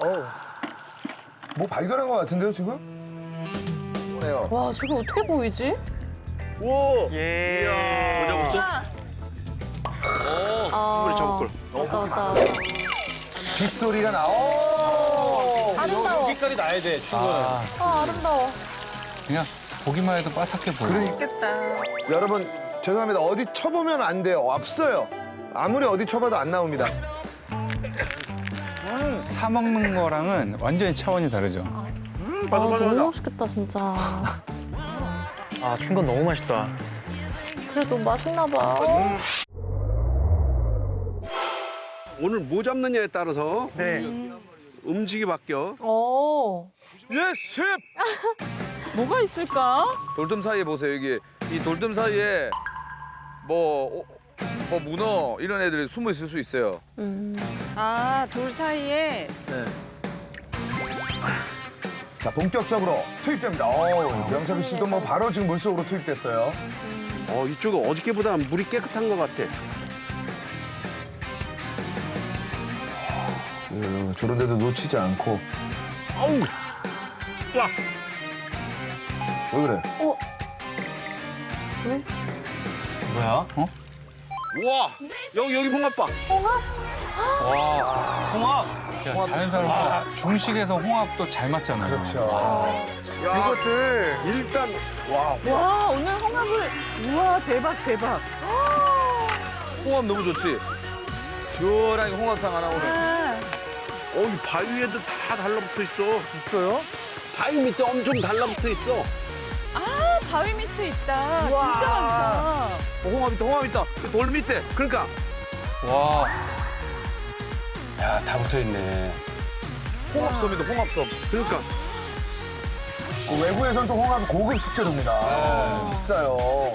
뭐 발견한 것 같은데요, 지금? 네요. 와, 저게 어떻게 보이지? 오! 예. 뭐 잡았어? 아, 잡을 걸. 왔다, 왔다. 빗소리가 나. 오! 아름다워. 여기까지 나야 돼, 출근은. 아, 아름다워. 그냥 보기만 해도 바삭해 보여. 여러분, 죄송합니다. 어디 쳐보면 안 돼요. 없어요. 아무리 어디 쳐봐도 안 나옵니다. 사 먹는 거랑은 완전히 차원이 다르죠. 아, 너무 맛있겠다, 진짜. 아, 춘건 너무 맛있다. 그래, 너무 맛있나 봐. 오늘 뭐 잡느냐에 따라서 네. 음식이 바뀌어. 예, 셰프! 뭐가 있을까? 돌돔 사이에 보세요, 여기. 이 돌돔 사이에 뭐 문어 이런 애들이 숨어 있을 수 있어요. 아, 돌 사이에 자, 본격적으로 투입됩니다. 명섭이 씨도 뭐 바로 지금 물속으로 투입됐어요. 이쪽은 어저께보다 물이 깨끗한 것 같아. 저런 데도 놓치지 않고. 아우! 와! 왜 그래? 왜? 뭐야? 우와! 여기 홍합 봐. 홍합! 야, 자연스러워. 중식에서 홍합도 잘 맞잖아요. 그렇죠. 이것들 일단 와, 오늘 홍합을 우와, 대박 대박. 홍합 너무 좋지? 시원하게 홍합탕 하나 오네. 아, 이 바위에도 다 달라붙어 있어. 있어요? 바위 밑에 엄청 달라붙어 있어. 아, 바위 밑에 있다. 진짜 많다. 홍합 있다. 돌 밑에. 그러니까. 와, 야, 다 붙어 있네. 홍합섬이다, 홍합섬. 그러니까 외부에선 또 홍합 고급 식재료입니다. 비싸요.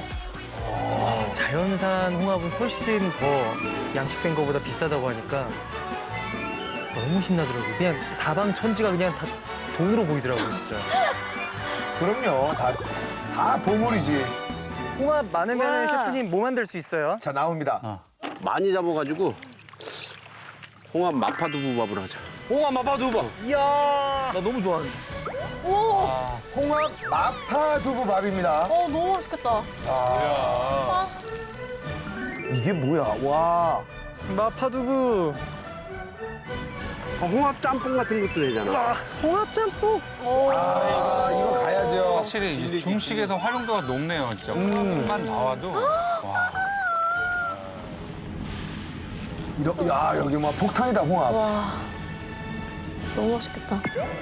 자연산 홍합은 훨씬 더 양식된 거보다 비싸다고 하니까 너무 신나더라고요. 그냥 사방천지가 그냥 다 돈으로 보이더라고요, 진짜. 그럼요. 다 보물이지. 홍합 많으면 와. 셰프님 뭐 만들 수 있어요? 자, 나옵니다. 많이 잡아가지고 홍합 마파두부밥을 하자. 홍합 마파두부. 이야! 나 너무 좋아하는데. 홍합 마파두부밥입니다. 너무 맛있겠다. 이게 뭐야? 와. 마파두부! 홍합 짬뽕 같은 것도 되잖아. 홍합 짬뽕! 이거 가야죠. 확실히 중식에서 활용도가 높네요, 진짜. 홍합만 나와도. 와, 야, 여기 뭐 폭탄이다, 홍합. 와, 너무 맛있겠다.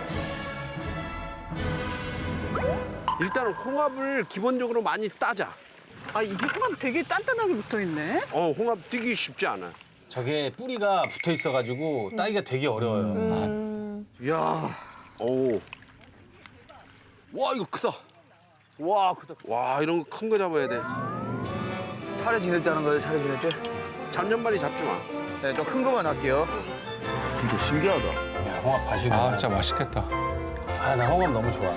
일단 홍합을 기본적으로 많이 따자. 아, 이게 홍합 되게 단단하게 붙어 있네. 홍합 뛰기 쉽지 않아. 저게 뿌리가 붙어 있어가지고 따기가 되게 어려워요. 이야, 오. 와, 이거 크다. 와, 크다. 와, 이런 거 큰 거 잡아야 돼. 차례 지낼 때 하는 거예요, 차례 지낼 때? 잔년발이 잡지 마. 네, 좀 큰 거만 할게요. 진짜 신기하다. 야, 홍합 봐주고. 아, 진짜 맛있겠다. 아, 나 홍합 너무 좋아.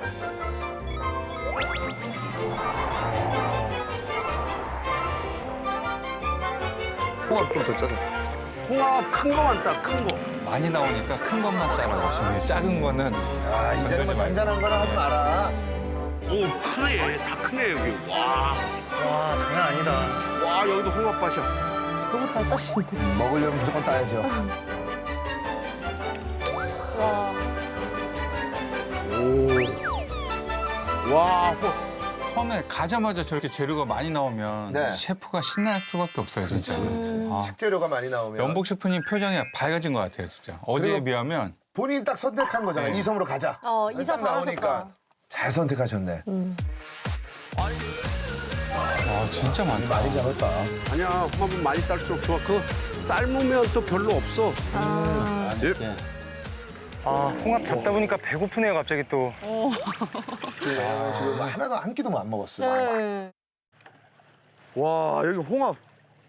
홍합 좀 더 짜자. 홍합 큰 거만 따, 큰 거. 많이 나오니까 큰 것만 따라가시는 게 작은 거는 이제는 뭐 잔잔한 거나 하지 마라. 오, 크네. 다 크네, 여기. 와. 와, 장난 아니다. 와, 여기도 홍합밭이야. 너무 잘 따시는데. 먹으려면 무조건 따야죠. 와, 오. 와, 처음에 가자마자 저렇게 재료가 많이 나오면 네. 셰프가 신날 수밖에 없어요, 진짜. 아, 식재료가 많이 나오면. 연복 셰프님 표정이 밝아진 것 같아요, 진짜. 어제에 그리고- 비하면 본인이 딱 선택한 거잖아요. 네. 이섬으로 가자. 이사 딱 나오니까 잘하셨다. 잘 선택하셨네. 와, 진짜 많다. 많이 잡았다. 아니야, 홍합은 많이 딸수록 좋아. 그거 삶으면 또 별로 없어. 아, 홍합 잡다 보니까 배고프네요, 갑자기 또. 지금 하나도 한 끼도 안 먹었어요. 네. 와, 여기 홍합.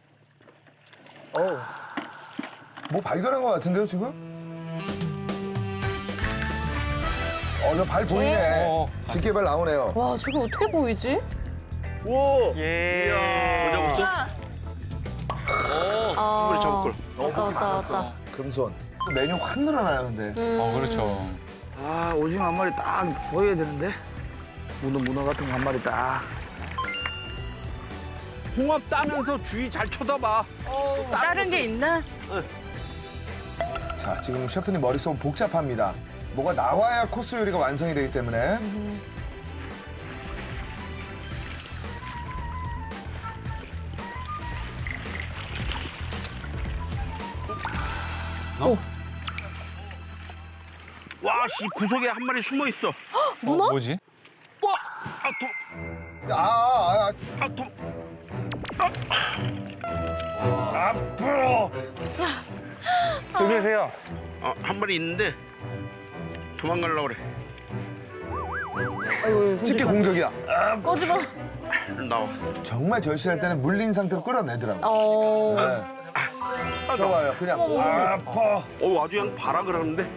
뭐 발견한 것 같은데요, 지금? 저 발 보이네. 어, 집게발 나오네요. 와, 저게 어떻게 보이지? 오! 예. 뭐 잡았어? 아, 잡을 걸. 왔다, 왔다, 왔다. 금손. 메뉴 확 늘어나요, 근데. 그렇죠. 아, 오징어 한 마리 딱 보여야 되는데. 문어 같은 거 한 마리 딱. 홍합 따면서 주위 잘 쳐다봐. 다른 게 있나? 자, 지금 셰프님 머릿속 복잡합니다. 뭐가 나와야 코스 요리가 완성이 되기 때문에. 와, 씨, 구석에 한 마리 숨어 있어. 문어? 뭐지? 와, 아, 왜 그러세요? 한 마리 있는데 도망가려고 그래. 아이고, 집게 공격이야. 꺼집어. 나와. 정말 절실할 때는 물린 상태로 끌어내더라고. 네. 저봐요, 그냥. 아파. 아주 그냥 봐라 그러는데.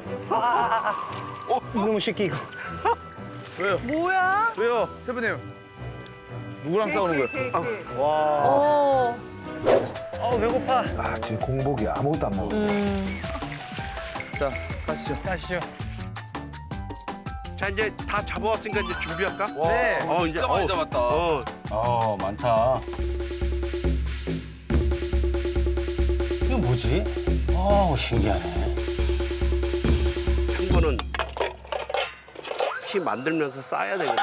이놈의 새끼 이거. 뭐야? 왜요, 셰프님? 누구랑 싸우는 거예요? 어. 배고파. 아, 지금 공복이 아무것도 안 먹었어. 자, 가시죠. 가시죠. 자, 이제 다 잡아왔으니까 이제 준비할까? 네. 이제 진짜 많이 잡았다. 많다. 이거 뭐지? 신기하네. 한 번은 키 만들면서 싸야 되거든.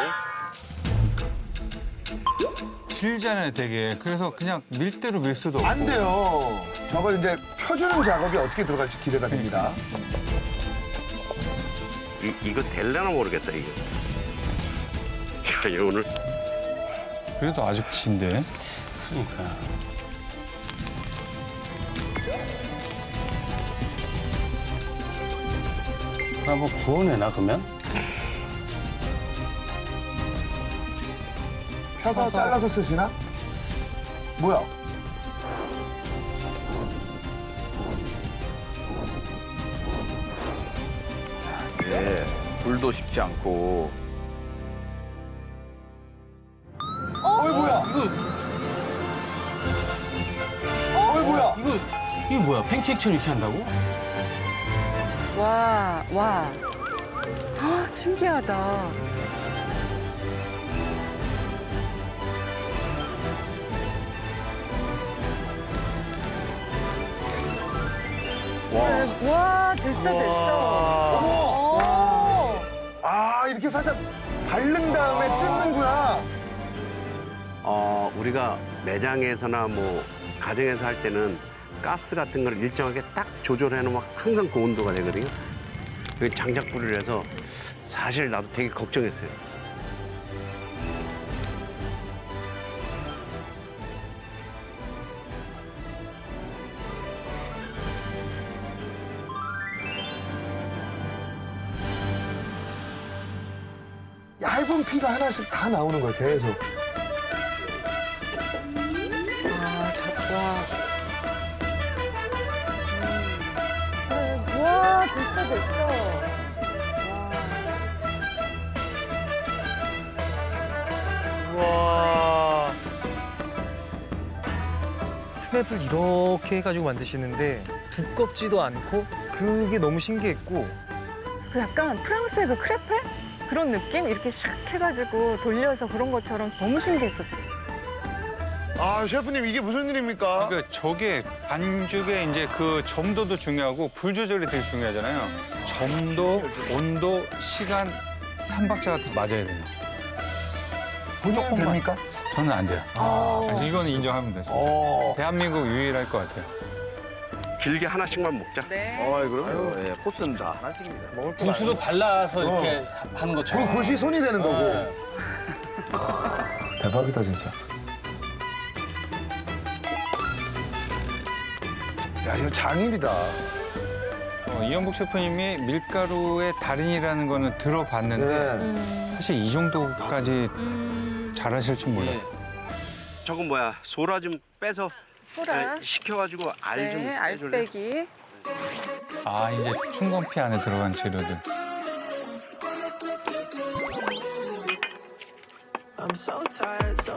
질잖아요, 되게. 그래서 그냥 밀대로 밀 수도 없고. 안 돼요. 저걸 이제 펴주는 작업이 어떻게 들어갈지 기대가 됩니다. 이거 될려나 모르겠다, 이거. 야, 이거 오늘 그래도 아직 진데. 뭐 구워내나 그러면? 펴서 잘라서 쓰시나? 뭐야? 예, 불도 쉽지 않고. 어이, 뭐야? 어이, 뭐야? 이거 뭐야? 팬케이크처럼 이렇게 한다고? 와, 와. 헉, 신기하다. 와, 됐어, 됐어. 어머! 아, 이렇게 살짝 바른 다음에 뜯는구나. 우리가 매장에서나 뭐 가정에서 할 때는 가스 같은 걸 일정하게 딱 조절해 놓으면 항상 그 온도가 되거든요. 그 장작불을 해서 사실 나도 되게 걱정했어요. 얇은 피가 하나씩 다 나오는 거야, 계속. 와, 됐어, 됐어. 와. 스냅을 이렇게 해가지고 만드시는데 두껍지도 않고 그게 너무 신기했고 그 약간 프랑스의 그 크레페? 그런 느낌? 이렇게 샥 해가지고 돌려서 그런 것처럼 너무 신기했었어요. 아, 셰프님, 이게 무슨 일입니까? 그러니까 저게 반죽의 이제 그 점도도 중요하고 불 조절이 되게 중요하잖아요. 점도, 온도, 시간, 삼박자가 다 맞아야 돼요. 본인은 됩니까? 저는 안 돼요. 그래서 이거는 인정합니다, 진짜. 대한민국 유일할 것 같아요. 길게 하나씩만 먹자. 네. 그럼요. 예, 코스는 다 하나씩입니다. 구수로 발라서 이렇게 하는 것처럼. 그것이 손이 되는 거고. 대박이다, 진짜. 야, 이거 장인이다. 이현복 셰프님이 밀가루의 달인이라는 거는 들어봤는데 네. 사실 이 정도까지 잘하실 줄 몰랐어요. 저건 뭐야? 소라 좀 빼서 소라. 식혀가지고 알 좀 네, 빼줄래? 알배기. 아, 이제 충건피 안에 들어간 재료들.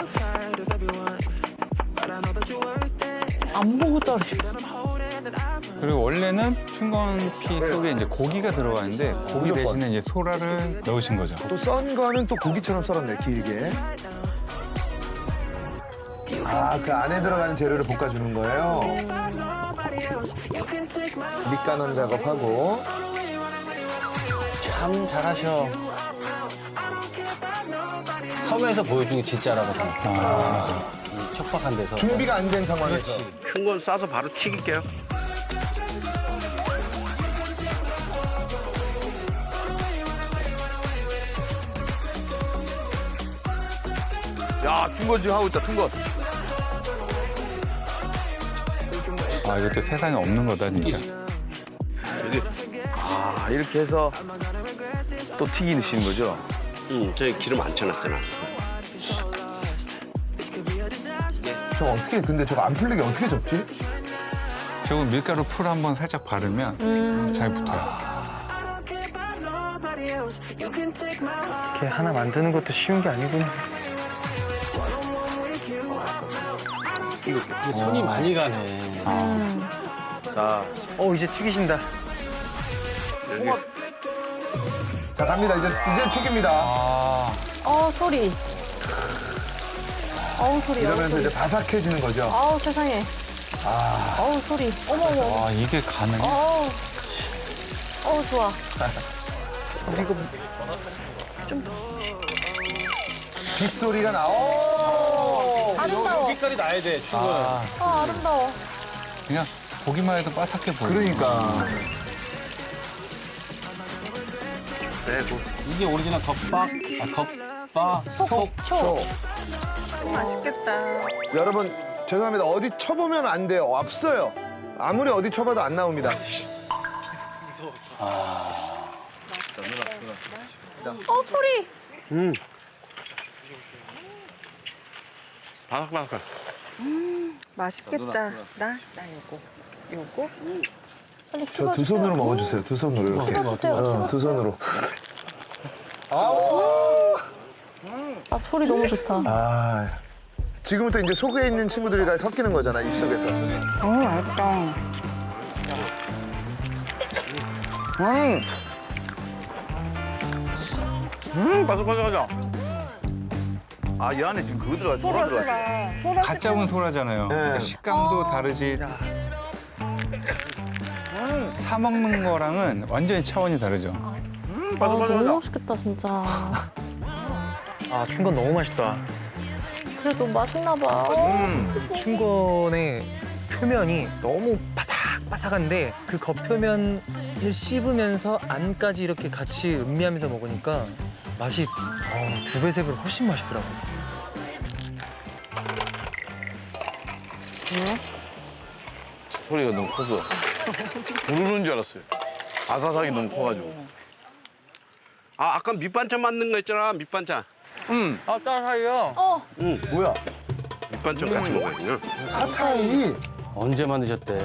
안 보고 자르시. 그리고 원래는 춘건피 속에 이제 고기가 들어가는데 고기 무조건. 대신에 이제 소라를 넣으신 거죠. 또 썬 거는 또 고기처럼 썰었네, 길게. 아, 그 안에 들어가는 재료를 볶아주는 거예요? 밑간원 작업하고. 참 잘하셔. 섬에서 보여준 게 진짜라고 생각해. 이 척박한 데서. 준비가 안 된 상황에서. 큰 건 싸서 바로 튀길게요. 야, 중건 지금 하고 있다, 중건. 아, 이것도 세상에 없는 거다, 진짜. 아, 이렇게 해서 또 튀기시는 거죠? 저희 기름 안 쳐놨잖아. 저거 어떻게, 근데 저거 안 풀리게 어떻게 접지? 저거 밀가루 풀 한번 살짝 바르면 잘 붙어요. 이렇게 하나 만드는 것도 쉬운 게 아니구나. 이게 손이 많이 가네. 자, 이제 튀기신다. 자, 갑니다. 이제 튀깁니다. 소리. 소리. 이러면서 이제 바삭해지는 거죠. 세상에. 소리. 어머. 와, 이게 가능해? 좋아. 빗소리가 나오. 아름다워. 빛깔이 나야 돼, 출근은. 아름다워. 그냥 보기만 해도 바삭해 보여. 그러니까. 빼고. 이게 오리지널 겉박, 속초. 맛있겠다. 여러분, 죄송합니다. 어디 쳐보면 안 돼요. 없어요. 아무리 어디 쳐봐도 안 나옵니다. 소리. 바삭바삭. 맛있겠다. 나 요거. 빨리 저 씹어주세요. 두 손으로 먹어주세요. 두 손으로 이렇게. 씹어주세요. 두 손으로. 소리 너무 좋다. 아, 지금부터 이제 속에 있는 친구들이 다 섞이는 거잖아, 입속에서. 맛있다. 바삭바삭하죠? 아, 이 안에 지금 그거 들어가죠, 소라 들어가죠. 갓 잡은 소라잖아요. 그러니까 식감도 다르지. 사 먹는 거랑은 완전히 차원이 다르죠. 너무 맛있겠다 진짜. 춘건 너무 맛있다. 그래 너무 맛있나 봐. 춘건의 표면이 너무 바삭바삭한데 그 겉표면을 씹으면서 안까지 이렇게 같이 음미하면서 먹으니까 맛이 두 배, 세 배 훨씬 맛있더라고요. 소리가 너무 커서 부르는 줄 알았어요. 아사삭이 너무 커가지고. 아까 밑반찬 만든 거 있잖아, 밑반찬. 따사이요? 뭐야? 밑반찬 같이 먹어야죠. 사차이. 언제 만드셨대?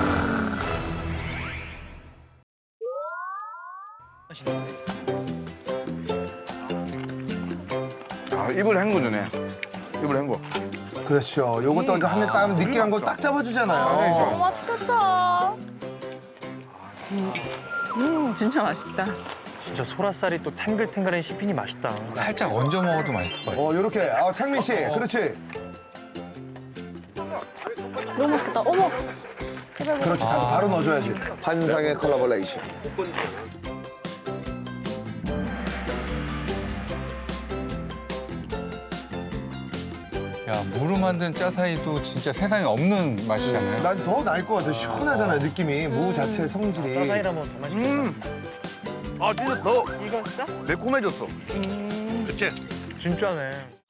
아, 입을 헹궈주네. 입을 헹궈. 그렇죠. 요것도 이제 한입 따면 느끼한 거 딱 잡아주잖아요. 너무 맛있겠다. 진짜 맛있다. 진짜 소라살이 또 탱글탱글한 씹히니 맛있다. 살짝 얹어 먹어도 맛있을 것 같아요. 요렇게. 창민 씨. 그렇지. 너무 맛있겠다. 어머. 제발. 그렇지. 가서 바로 넣어줘야지. 환상의 콜라보레이션. 야, 무로 만든 짜사이도 진짜 세상에 없는 맛이잖아요. 난 더 나을 것 같아. 시원하잖아요, 느낌이. 무 자체 성질이. 짜사이라면 더 맛있겠다. 아, 진짜 더 매콤해졌어. 그치? 진짜네.